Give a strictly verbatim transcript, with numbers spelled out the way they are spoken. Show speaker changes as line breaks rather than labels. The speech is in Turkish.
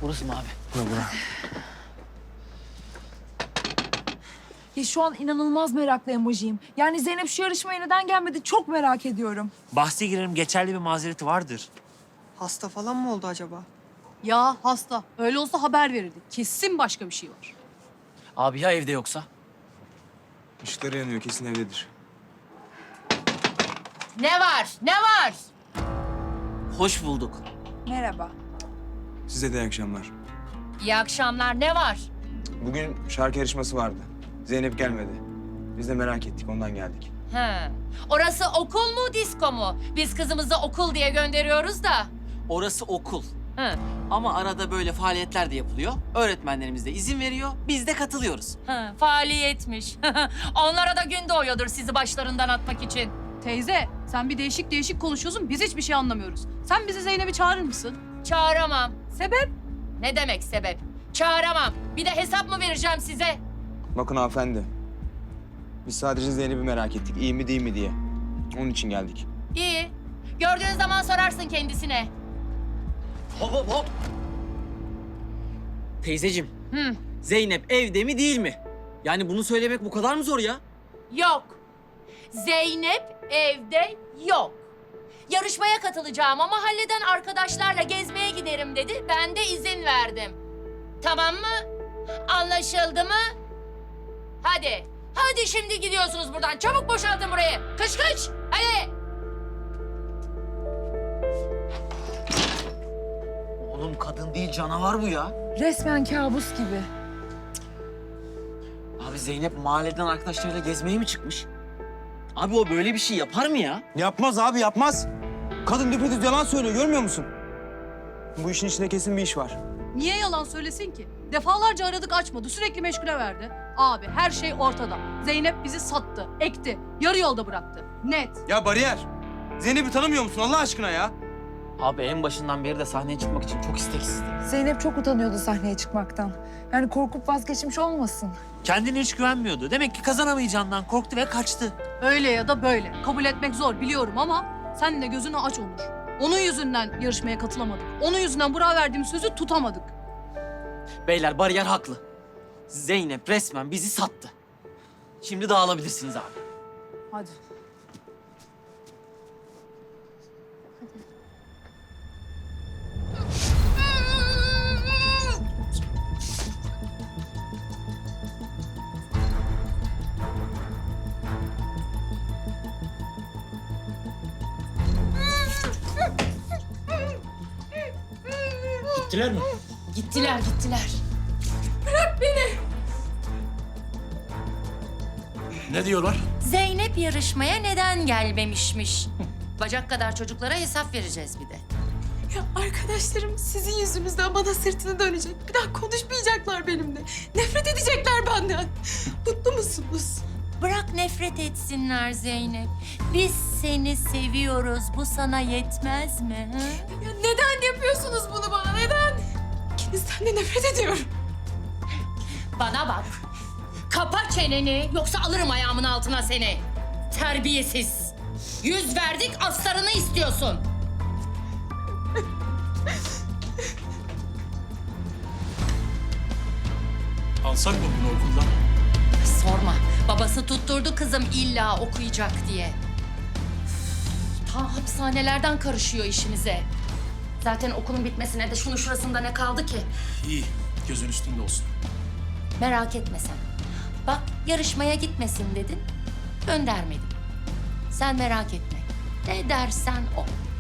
Burası mı abi?
Bura bura.
Ya şu an inanılmaz meraklı emojiyim. Yani Zeynep şu yarışmaya neden gelmedi çok merak ediyorum.
Bahse girerim, geçerli bir mazereti vardır.
Hasta falan mı oldu acaba?
Ya hasta. Öyle olsa haber verirdik. Kesin başka bir şey var.
Abi ya evde yoksa?
Işıkları yanıyor, kesin evdedir.
Ne var? Ne var?
Hoş bulduk.
Merhaba.
Size de iyi akşamlar.
İyi akşamlar. Ne var?
Bugün şarkı yarışması vardı. Zeynep gelmedi. Biz de merak ettik, ondan geldik.
He. Orası okul mu, disko mu? Biz kızımızı okul diye gönderiyoruz da.
Orası okul.
He.
Ama arada böyle faaliyetler de yapılıyor. Öğretmenlerimiz de izin veriyor. Biz de katılıyoruz.
He. Faaliyetmiş. Onlara da gün doğuyordur sizi başlarından atmak için.
Teyze, sen bir değişik değişik konuşuyorsun. Biz hiçbir şey anlamıyoruz. Sen bizi Zeynep'i çağırır mısın?
Çağıramam.
Sebep?
Ne demek sebep? Çağıramam. Bir de hesap mı vereceğim size?
Bakın hanımefendi. Biz sadece Zeynep'i merak ettik, iyi mi değil mi diye. Onun için geldik.
İyi. Gördüğün zaman sorarsın kendisine.
Hop hop hop. Teyzeciğim,
Hı.
Zeynep evde mi değil mi? Yani bunu söylemek bu kadar mı zor ya?
Yok. Zeynep evde yok. Yarışmaya katılacağım ama mahalleden arkadaşlarla gezmeye giderim dedi. Ben de izin verdim. Tamam mı? Anlaşıldı mı? Hadi. Hadi şimdi gidiyorsunuz buradan. Çabuk boşaltın burayı. Kış kış. Hadi.
Oğlum kadın değil canavar bu ya.
Resmen kabus gibi.
Abi Zeynep mahalleden arkadaşlarıyla gezmeye mi çıkmış? Abi o böyle bir şey yapar mı ya?
Yapmaz abi, yapmaz. Kadın düpedüz yalan söylüyor, görmüyor musun? Bu işin içinde kesin bir iş var.
Niye yalan söylesin ki? Defalarca aradık açmadı. Sürekli meşgule verdi. Abi her şey ortada. Zeynep bizi sattı, ekti. Yarı yolda bıraktı. Net.
Ya bariyer, Zeynep'i tanımıyor musun Allah aşkına ya?
Abi en başından beri de sahneye çıkmak için çok isteksizdi.
Zeynep çok utanıyordu sahneye çıkmaktan. Yani korkup vazgeçmiş olmasın.
Kendine hiç güvenmiyordu. Demek ki kazanamayacağından korktu ve kaçtı.
Öyle ya da böyle. Kabul etmek zor biliyorum ama sen de gözünü aç Onur. Onun yüzünden yarışmaya katılamadık. Onun yüzünden Burak'a verdiğim sözü tutamadık.
Beyler bariyer haklı. Zeynep resmen bizi sattı. Şimdi dağılabilirsiniz abi.
Hadi.
Gittiler mi?
Gittiler gittiler.
Ne diyorlar?
Zeynep yarışmaya neden gelmemişmiş? Bacak kadar çocuklara hesap vereceğiz bir de.
Ya arkadaşlarım sizin yüzünüzden bana sırtını dönecek. Bir daha konuşmayacaklar benimle. Nefret edecekler benden. Mutlu musunuz?
Bırak nefret etsinler Zeynep. Biz seni seviyoruz. Bu sana yetmez mi? Hı?
Ya neden yapıyorsunuz bunu bana? Neden? İkinizden de nefret ediyorum.
Bana bak. Kapa çeneni yoksa alırım ayağımın altına seni. Terbiyesiz. Yüz verdik aslarını istiyorsun.
Alsak mı bunu okuldan?
Sorma. Babası tutturdu kızım illa okuyacak diye. Üf, ta hapishanelerden karışıyor işimize. Zaten okulun bitmesine de şunun şurasında ne kaldı ki?
İyi, gözün üstünde olsun.
Merak etme sen. Bak yarışmaya gitmesin dedin, göndermedim. Sen merak etme. Ne dersen o.